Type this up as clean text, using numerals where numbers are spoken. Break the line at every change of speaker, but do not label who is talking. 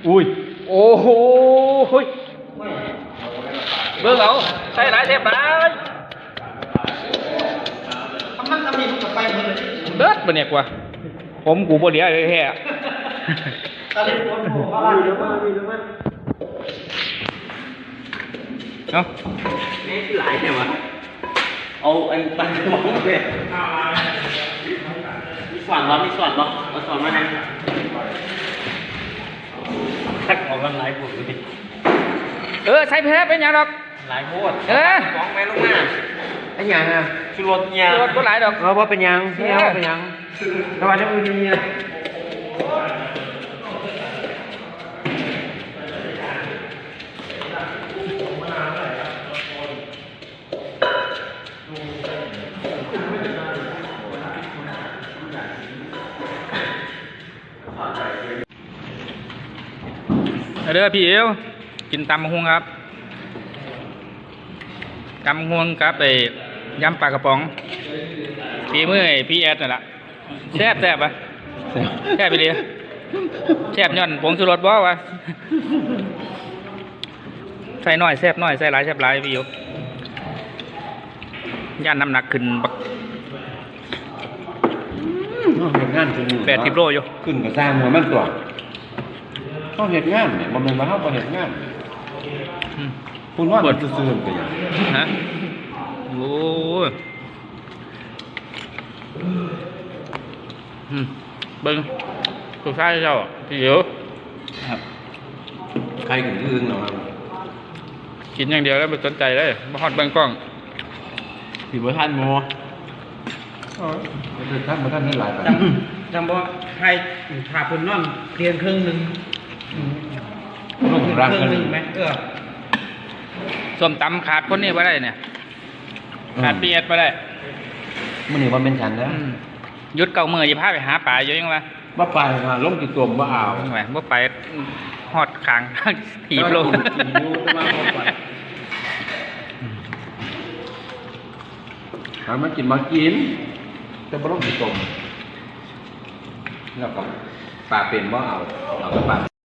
อุ้ย
โอ้โหเบิ่งเอาใส่หลายเทปหลาย
มันทำนี่มันไปหมดเลย
เบิดบ่เนี่ยกว่าผมกูบ่เหลือเลยแท้
ตอนนี้ผมบอกว่ามีหรือไม่
เนาะ
นี่หลายเนี่ยวะเอาอันตันมองเลยมีสอนบ่มีสอนบ่เอาสอนมาให้ทักออกกันหลายพวกเลย
ใส่แพ้เป็นหยังดอก
หลายโพดมองแม่ลงมา
ไอ้ยังอ่ะ
ชูรสเนี่ย
ชูรสบ่หลายดอก
ว่าเป็นยังที่ว่าเป็นยังแต่ว่าจะเป็นยังไง
เด้อพี่เอวกินตำบักหุ่งครับตำบักหุ่งครับไอ้ยำปลากระป๋องฝีมือไอ้พี่แอดนั่นแหละแซ่บปะแซ่บไปเลยแซ่บย่อนผงชูรสบ่วะใส่น้อยแซ่บน้อยใส่หลายแซ่บหลายพี่เอวย่านน้ำหนักขึ้นบัก
เห็ดงานจริง
80 โลอยู่
ขึ้นกับสร้างหัวมันตัวเขาเห็ดงานเนี่ยมันเป็นว่าเขาเห็ดงานคุณว่ามันซื่อๆกันยัง
ฮะโอ้ยเบิ้งสุดท้ายเจ้าพี่เอ๋
ครับใครกินอื่นหรอ
กินอย่างเดียวแล้วไม่สนใจเลยมาฮอดเบิ้งกล้อง
ผีบัวท่านโมท่านบัวท่านนี่หลาย
จำบอกใครผ่าคนนอนเพียงครึ่งหนึ่งครึ่งหนึ่งไหม
ส้มตำขาดคนนี้มาได้เนี่ยขาดพี่แอดมาได้
มื่อนี้วันเป็นฉันแล้ว
ยุดเก่ามือจะพาไปหาป่าอยู่ยังไง
ว่าไปมาล้มกี่ตัวว่าเอา
ไงว่าไปหอดคางถีบลง
หามากินมากินแต่บ่ล้มกี่ตัวแล้วก็ป่าเป็นว่าเอาแล้วก็ป่า